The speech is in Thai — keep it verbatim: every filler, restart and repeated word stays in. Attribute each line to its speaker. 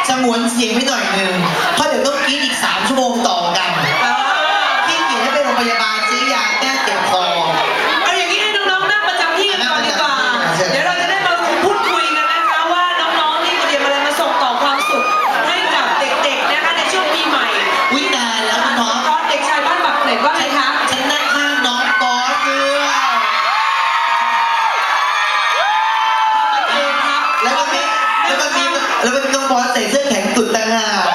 Speaker 1: สงวนเสียงไว้หน่อยหนึ่งเพราะเดี๋ยวต้องกินอีกสามชั่วโมงต่อกันพี่เกียรให้ไปโรงพยาบาลซื้อยาแก้เจ็บคอ
Speaker 2: เอาอย่างนี้ให้น้องๆนั่งประจำที่กันก่อนดีกว่าเดี๋ยวเราจะได้มาพูดคุยกันนะคะว่าน้องๆนี่เตรียมอะไรมาส่งต่อความสุขให้กับเด็กๆนะคะในช่วงปีใหม่
Speaker 1: วินายแล้วคุณน้อง
Speaker 2: เด็กชายบ้านปากเกร็ดว่าไงคะ
Speaker 1: ฉันนั่งข้างน้องกอล์ฟด้วยแล้วก็มีแล้วก็มีแล้วก็มีน้องบอสใส่เสื้อแข็งตุ่นต่างหาก